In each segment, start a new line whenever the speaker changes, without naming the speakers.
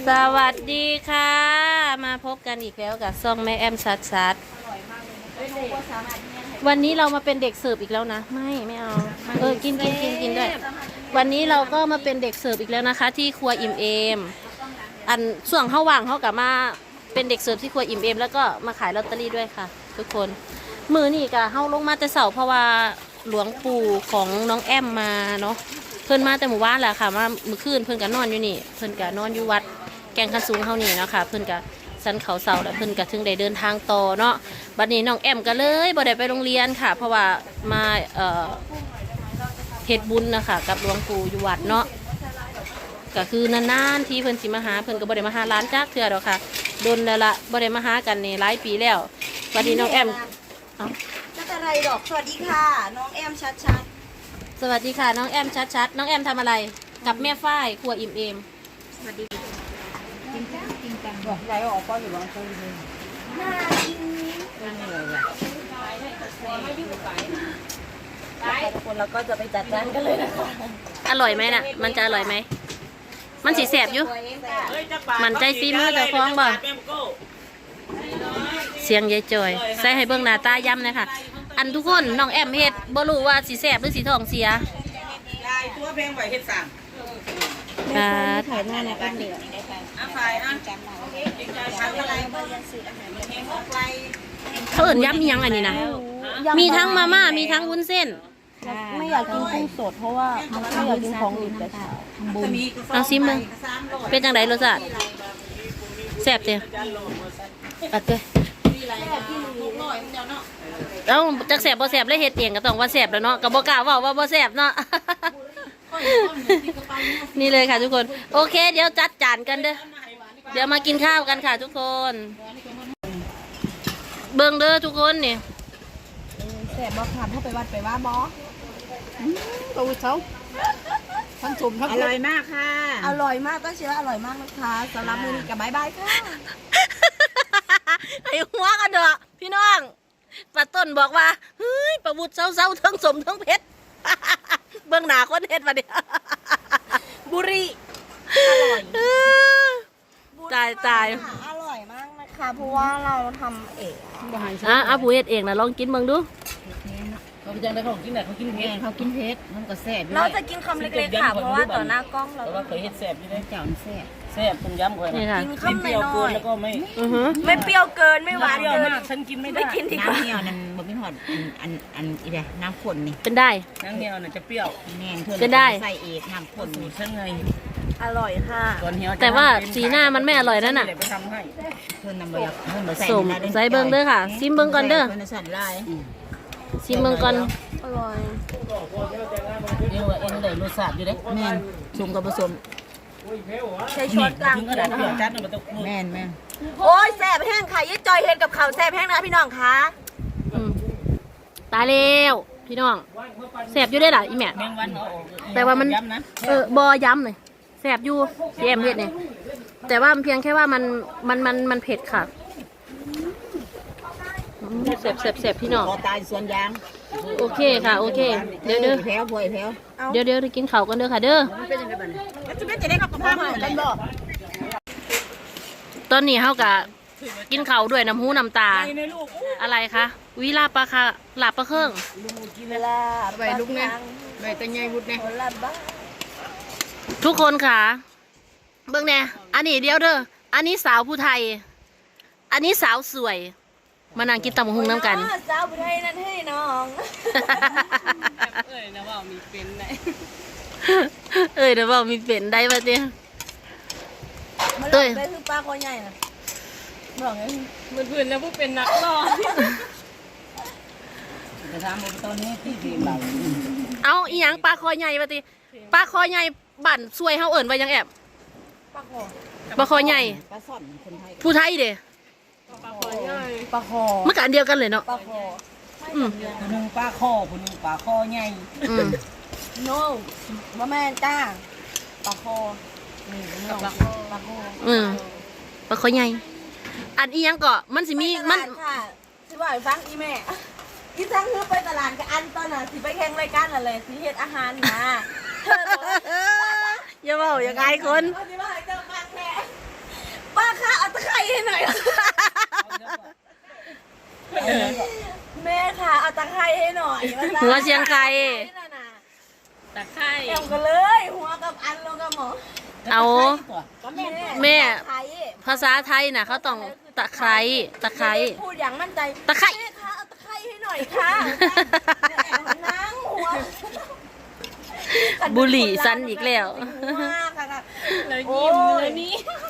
สวัสดีค่ะมาพบกันอีกแล้วกับซ่องแม่แอมชัดวันนี้เรามาเป็นเด็กเสิร์ฟอีกแล้วนะไม่เอากินด้วยวันนี้เราก็มาเป็นเด็กเสิร์ฟอีกแล้วนะคะ ที่ครัวอิ่มเอมอันส่วงเข้าว่างเขากลับมาเป็นเด็กเสิร์ฟที่ครัวอิ่มเอมแล้วก็มาขายลอตเตอรี่ด้วยค่ะ ทุกคนมือนี่กะเข้าลงมาแต่เสาเพราะว่าหลวงปู่ของน้องแอมมาเนาะเพิ่นมาแต่หมู่บ้านแหละค่ะมาเมื่อคืนเพิ่นก็นอนอยู่นี่เพิ่นก็นอนอยู่วัดแกงคันสูงเฮานี่เนาะค่ะเพิ่นก็สันเขาเสาแล้วเพิ่นก็ถึงได้เดินทางต่อเนาะบัดนี้น้องแอมก็เลยบ่ได้ไปโรงเรียนค่ะ เพราะว่ามาเฮ็ดบุญนะคะกับหลวงปู่อยู่วัดเนาะก็คือนานๆที่เพิ่นสิมาหาเพิ่นก็บ่ได้มาหาร้านจักเทื่อดอกค่ะโดนแล้วละบ่ได้มาหากันนี่หลายปีแล้วบัดนี้น้องแอม
จะอะไรดอกสวัสดีค่ะน้องแอมชัด
สวัสดีค่ะน้องแอมชัดน้องแอมทำอะไรกับแม่ฝ้ายครัวอิ่มเอม
สวัสดีกินกัน
บอกยายออกก็อยู่บางคนเลย
น่ากิน
ไม่เหนื่อยอ่ะ
ทุกคนเราก็จะไปจัดจานกันเลยนะคะ
อร่อยไหมน่ะมันจะอร่อยไหมมันสีแสบอยู่มันใจซีมือแต่ฟ้องบ่เสียงยายจอยใส่ให้เบิ่งหน้าตาย้ำนะคะอันทุกคนน้องแอมเฮ็ดบ่รู้ว่าสีแสบหรือสีทองเสีย
ยายตัวเพลงไหวเฮ็ดสั่ง
ถ่ายหน้าในกันเดือด
ฝ่าย
ทำอะไรบ้างสื่ออาหารแห้งออกไป
เขาเอิ่นย้ำมียังอันนี้นะมีทั้งมาม่ามีทั้งวุ้นเส้น
ไม่อยากกินกุ้งสดเพราะว่าไม่อยากกินของดิบแต่เช้าทำบุญ
เอาซิมมึงเป็นจังไดรสชาติแสบเจ้อัดเจ้เอาจักแสบบ่แสบเลยเฮ็ดเองก็ต้องว่าแสบแล้วเนาะก็บ่กล้าเว้าว่าบ่แสบเนาะนี่เลยค่ะทุกคนโอเคเดี๋ยวจัดจานกันเด้อเดี๋ยวมากินข้าวกันค่ะทุกคนเบิ่งเด้อทุกคนนี่
แสบบอกถามเข้าไปวัดไปว่าบอ
ตัวเขาทั้งสุ่มทั้งอร่อยมากค่ะ
อร่อยมากก็เชื่ออร่อยมากนะคะสำหรับมื้อนี้กับบายบายค่ะ
ไอ้หัวกันเด้อพี่น้องป้าต้นบอกว่าเฮ้ยประวุฒิเศร้าทั้งสมทั้งเพชรเบื้องหน้าคนเฮ็ดมาเดียบุรี
อร่อย
ตาย
อร่อยมากนะคะเพราะว่าเราทำเอง
ผู้เฮ็ดเองนะลองกินเบิ่งดู
เขาไปจังได้เขากินไหนเขากินเพชรมันก็แซ่บ
เราจะกินคำเล็กๆค่ะเพราะว่าต่อหน้ากล้องเรา
เคยเฮ็ดแซ่บอยู่ได้เจ้าแซ่บต้มยำก่อน
นะ
กินคำเปรี้ยว
เกินแล้วก็
ไม่เปรี้ยวเกินไม่หวานเกิน
ฉันกินไม่ได้
กินดีกว่า
น้ำเหี่ยวนั่นบ่มีหอดอันอีเด้น้ำข้นนี่
เป็นได้
น้ำเหี่ยวน่ะจะเปรี้ยว
แน่นเธอเป็นได้
ใส่เอกน้ำข้นสูตรฉันไง
อร่อยค่ะ
แต่ว่าสีหน้ามันไม่อร่อยนั่นน่ะสมใส่เบิ้งเด้อค่ะซิมเบิ้งก่อนเด้อซิมเบิ้งก่อน
อร่อย
เดี๋ยวเอ็นได้รสชาติอยู่เด้แม่นชมกับผสม
ใช้ช้อนกลาง
แม่น
โอ้ยแซ่บแห้งค่ะยิ่งจอยเห็นกับเขาแซ่บแห้งนะพี่น้องคะ
ตายแล้วพี่น้องแซ่บอยู่ได้หรออีแม่แต่ว่ามันบอย้ำเลยแซ่บอยู่พี่แอมเผ็ดเนี่ยแต่ว่าเพียงแค่ว่ามันเผ็ดค่ะแซ่บพี่น้อง
ตายส่วนยาง
โอเคค่ะโอเคเดี๋ยว
แถว
เดี๋ยวกินข้าวกันเด้อค่ะเด้อ
จะได้กับพ่อมากันบ่
ตอนนี้เฮากะกินข้าวด้วยน้ำหูน้ำตาอะไรคะวิลาปลาค่ะหลาบปลาเครื่อง
ใบลุกเนี่ยใบตะไงบุดเนี่ย
ทุกคนค่ะเบิ่งแน่อันนี้เดียวเด้ออันนี้สาวผู้ไทยอันนี้สาวสวยมานั่งกินตำบักหุ่งน้ำกัน
สาวผู้ไทยนั่นให้น้อง
นะว่ามีเป็นได้
นะว่ามีเป็นได้ป่ะเนี่ย
เต้ยคือปลาคอใหญ่น่ะบอกไง
มันพื้นแล้วพวกเป็นนักรอจะทำตอนนี้ที่ดีเรา
เอาอีหยังปลาคอใหญ่ป่ะติปลาคอใหญ่บั่นซวยเฮาเอิญไว้ยังแอบปลาคอใหญ่ผู้ไทยเด้
ปลาคอ
มันกันเดียวกันเลยเนาะ
ปลาคอ
ผู้นึงปลาคอผู้นึงปลาคอใหญ่
โน่ว่าแม่จ้าปลาคอปลาคอ
ปลาคอใหญ่อันอีหยังก็มันสิมีมัน
ค่ะสิบ่อยฟังอีแม่อีทั้งคือไปตลาดกับอันตอนน่ะสิไปแข่งรายการอะไรสิเฮ็ดอาหารนะ
อย่าเว้าอย่าอายคน
คะเอาตะไคร้ให้หน่อยแม่ค่ะเอาตะไคร้ให้หน่อย
หัวเชียงไค
ตะไคร้แอมกันเลยหัวกับอันลงกับหมอ
เอา แม่
ตะไคร้
ภาษาไทยน่ะเขาต้องตะไคร้ตะไคร้
พูดอย่างมั่นใจ
ตะไคร้
แม่คะเอาตะไคร้ให้หน่อยค่ะนั่งหัว
บุหรี่ซันอีกแล้ว
เลยยิ้มเลยนี่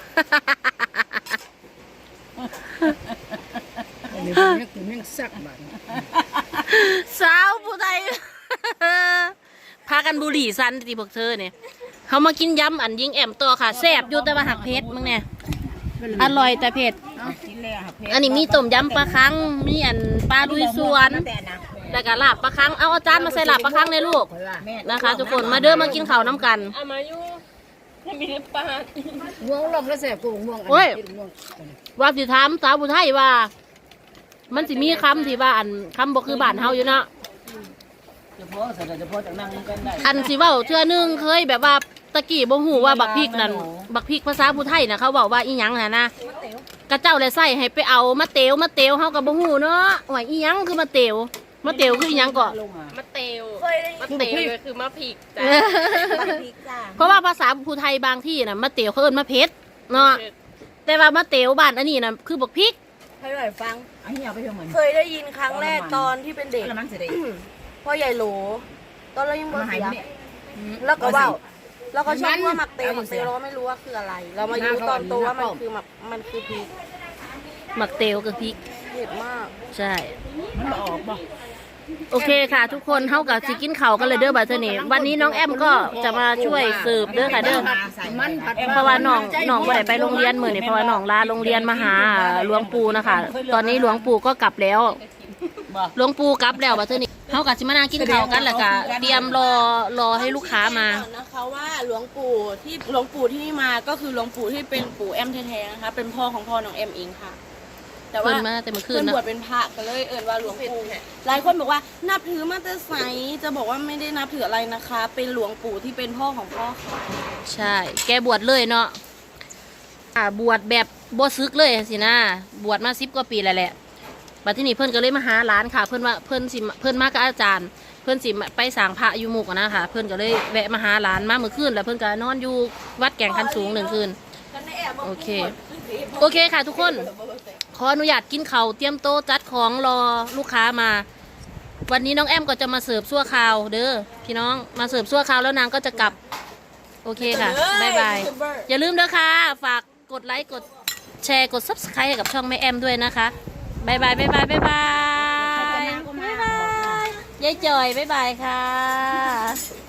อันนี้เป็นนักกินแม่งซักบ้าน
สาวผู้ใด พากันบุหรี่ซันตีพวกเธอเนี่ยเขามากินยำอันยิงแอมตัวค่ะแซ่บอยู่แต่ว่าหักเผ็ดมึงเนี่ยอร่อยแต่เผ็ด
กินแล้วเพชร
อันนี้มีต้มยำปลาคังมีอันปลาลุยสวนแล้วก็ลาบปลาคังเอาจานมาใส่ลาบปลาคังในลูกนะคะทุกคนมาเด้อมากินข้าวน้ำกัน
เอามาอยู่ให้มีปลา
ง่วงลมแล้วแสบกูง่วง
ว่าสิถามสาวผู้ไทยว่า มันสิมีคำที่ว่าอันคำบ่คือบ้านเฮาอยู่เนาะ
เฉพาะจากนั่งกันได้
อันสิเว้าเทื่อนึงเคยแบบว่าตะกี้บ่ฮู้ว่าบักพริกนั่นบักพริกภาษาผู้ไทยน่ะเขาบอกว่าอีหยังน่ะนะกระเจ้าเลยใส่ให้ไปเอามาเตวเฮาก็บ่ฮู้เนาะว่าอีหยังคือมาเตวคืออีหยังก็
มะเตวเคยได้ยิน
มะเตว
คือมะพริกจ้ะมะพริกจ้ะ
เพราะว่าภาษาผู้ไทยบางที่น่ะมาเตวเขาเอิ้นมาเผ็ดเนาะแต่ว่ามาเตวบ้านอันนี้น่ะคือบักพริก
ให้หน่อยฟัง
อันนี้เอาไปเท่าไหร่
เคยได้ยินครั้งแรกตอนที่เป็นเด็ก
แล้วมันจะได้
พ่อใหญ่โหลตอนเรายังบ่
มาหาย
เสีย
เนี่ย
แล้วก็เว่าแล้วก็ชอบว่าหมักเตวเราไม่รู้ว่าคืออะไร เรามารู้ตอนโตว่ามันคือพริก
มักเตวกับพริก
เผ็ดมาก
ใช่
มันออกบ่
โอเคค่ะ ทุกคนเท่ากับสิกินข้าวกันเลยเด้อบัดเทอนี้วันนี้น้องแอมก็จะมาช่วยสืบเด้อค่ะเด้อ
มันผัด
เพราะว่าน้องบ่ได้ไปโรงเรียนมื้อนี้เพราะว่าน้องลาโรงเรียนมาหาหลวงปู่นะคะ ตอนนี้หลวงปู่ก็กลับแล้วหลวงปู่กลับแล้วบัดเทอนี้เฮากับสิมานั่งกินข้าวกันแล้วก็เตรียมรอให้ลูกค้ามา
นะคะว่าหลวงปู่ที่นี่มาก็คือหลวงปู่ที่เป็นปู่แอมแท้ๆนะคะเป็นพ่อของพ่อน้องแอมเองค่ะ แต่ว่า
เพิ่นมาแต่เมื่อคืน
เพิ่น
นะ
บวชเป็นพระก็เลยเอิ้นว่าหลวงปู่หลายคนบอกว่านับถือมาแต่ไสจะบอกว่าไม่ได้นับถืออะไรนะคะ เป็นหลวงปู่ที่เป็นพ่อของพ่อค่ะ
ใช่ แกบวชเลยเนาะบวชแบบบ่ซึกเลยสินะบวชมา10 กว่าปีแล้วแหละบัดที่นี่เพิ่นก็เลยมาหาหลานค่ะ เพิ่นว่าเพิ่นมากับอาจารย์ เพิ่นสิไปสร้างพระอยู่หมู่กันนะคะเพิ่นก็เลยแวะมาหาหลานมาเมื่อคืนแล้วเพิ่นก็นอนอยู่วัดแก่งคันสูง1 คืน โอเค โอเคค่ะทุกคน ขออนุญาตกินข้าวเตรียมโต๊ะจัดของรอลูกค้ามา วันนี้น้องแอมก็จะมาเสิร์ฟซั่วคราวเด้อพี่น้องมาเสิร์ฟซั่วคราวแล้วนางก็จะกลับ โอเคค่ะบ๊ายบายอย่าลืมเด้อค่ะฝากกดไลค์กดแชร์กด Subscribe ให้กับช่องแม่แอมด้วยนะคะบ๊ายบายบ๊ายบายบ๊ายบายบ๊ายบายยายจอยบ๊ายบายค่ะ